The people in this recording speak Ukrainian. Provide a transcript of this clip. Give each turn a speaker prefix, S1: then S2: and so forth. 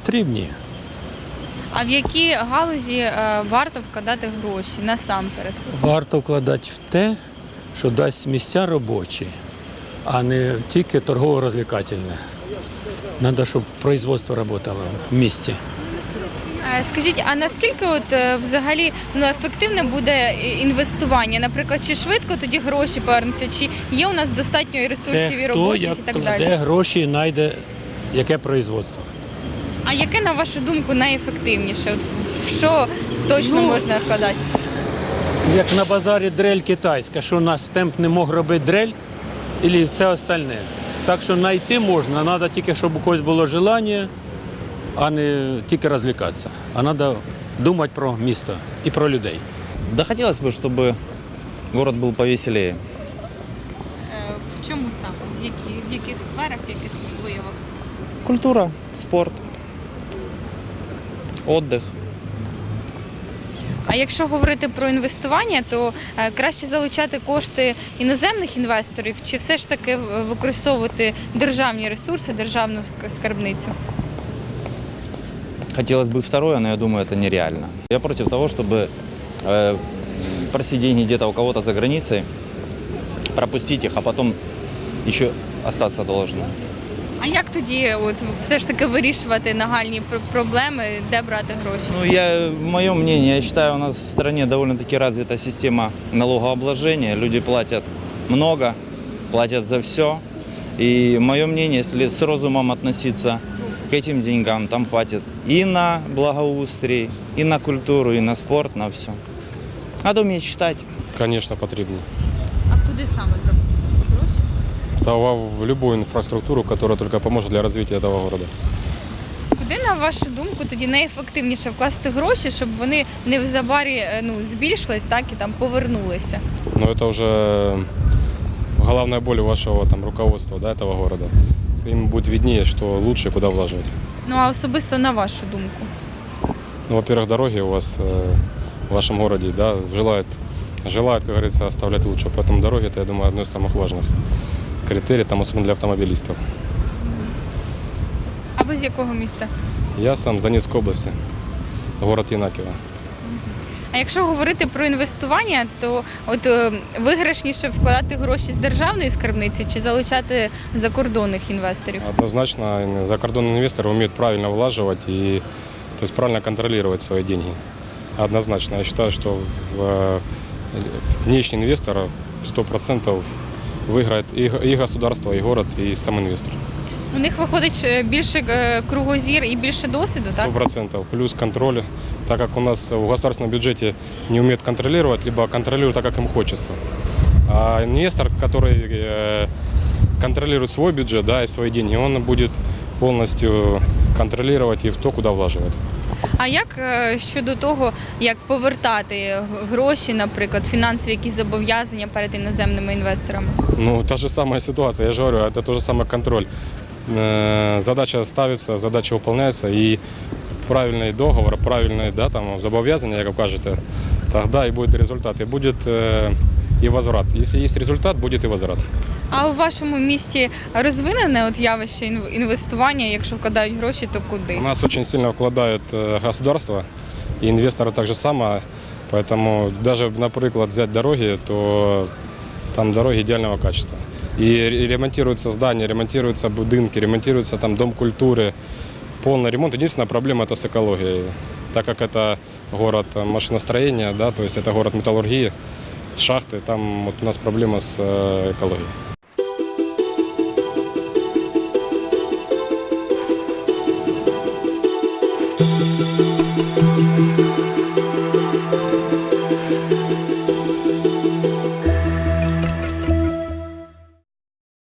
S1: Потрібні.
S2: А в які галузі варто вкладати гроші насамперед?
S1: Варто вкладати в те, що дасть місця робочі, а не тільки торгово-розвлекательне. Треба, щоб производство працювало в місті.
S2: Скажіть, а наскільки взагалі ефективне буде інвестування? Наприклад, чи швидко тоді гроші повернуться, чи є у нас достатньо і ресурсів, і робочих, і так далі?
S1: Де гроші знайде яке производство.
S2: А яке, на вашу думку, найефективніше? В що точно можна вкладати?
S1: Як на базарі дрель китайська, що наш темп не мог робити дрель, і все остальне. Так що знайти можна, треба тільки, щоб у когось було бажання, а не тільки розвлікатися. А треба думати про місто і про людей.
S3: Да хотелось бы, чтобы город был повеселее.
S2: В чому саме? В яких сферах, в яких виявах?
S3: Культура, спорт, отдых.
S2: А якщо говорити про інвестування, то краще залучати кошти іноземних інвесторів чи все ж таки використовувати державні ресурси, державну скарбницю?
S3: Хотелось бы второе, но я думаю, это нереально. Я против того, чтобы просить деньги где-то у кого-то за границей, пропустить их, а потом еще остаться должным.
S2: А як тоді все ж таки вирішувати нагальні проблеми, де брати гроші?
S3: Мое мнение, я считаю, у нас в стране довольно-таки развита система налогообложения. Люди платят много, платят за все. И мое мнение, если с разумом относиться к этим деньгам, там хватит и на благоустрой, и на культуру, и на спорт, на все. Надо уметь считать.
S4: Конечно, потрібно.
S2: А куди саме брати гроші?
S4: Та в любую инфраструктуру, которая только поможет для развития этого города.
S2: Куди, на вашу думку, тоді найефективніше вкласти гроші, щоб вони невзабарі збільшились, так і там повернулися?
S4: Но это уже головная боль вашего руководства, да, этого города. Им будет виднее, что лучше, куда влаживать.
S2: Ну а особисто на вашу думку?
S4: Ну, во-первых, дороги у вас в вашем городе, да, желают, как говорится, оставлять лучше. Поэтому дороги, это, я думаю, одно из самых важных критерий, особенно для автомобилистов.
S2: А ви з якого міста?
S4: Я сам з Донецької області, город Єнаківо.
S2: А якщо говорити про інвестування, то виграшніше вкладати гроші з державної скарбниці чи залучати закордонних інвесторів?
S4: Однозначно, закордонные инвесторы умеют правильно влаживать и правильно контролировать свои деньги. Однозначно. Я считаю, что внешний инвестор 100% выиграет и государство, и город, и сам инвестор.
S2: У них виходить більше кругозір і більше досвіду, так?
S4: 100%. Плюс контроль, так как у нас в государственном бюджете не умеют контролировать, либо контролируют так, как им хочется. А инвестор, который контролирует свой бюджет, да, и свои деньги, он будет полностью контролировать и в то, куда влаживать.
S2: А як щодо того, як повертати гроші, наприклад, фінансові якісь зобов'язання перед іноземними інвесторами?
S4: Ну, та же самая ситуация, я же говорю, это тот же самый контроль. Задача ставится, задача выполняется, и правильный договор, правильные зобов'язання, як ви кажете, тогда и будет результат, и будет и возврат. Если есть результат, будет и возврат.
S2: А у вашому місті розвинене явище інвестування, якщо вкладають гроші, то куди?
S4: У нас очень сильно вкладают государство, и инвесторы так же само, поэтому даже, например, взять дороги, то там дороги идеального качества. И ремонтируются здания, ремонтируются будинки, ремонтируется дом культуры, полный ремонт. Единственная проблема – это с экологией, так как это город машиностроения, да, то есть это город металлургии, шахты, там у нас проблема с экологией.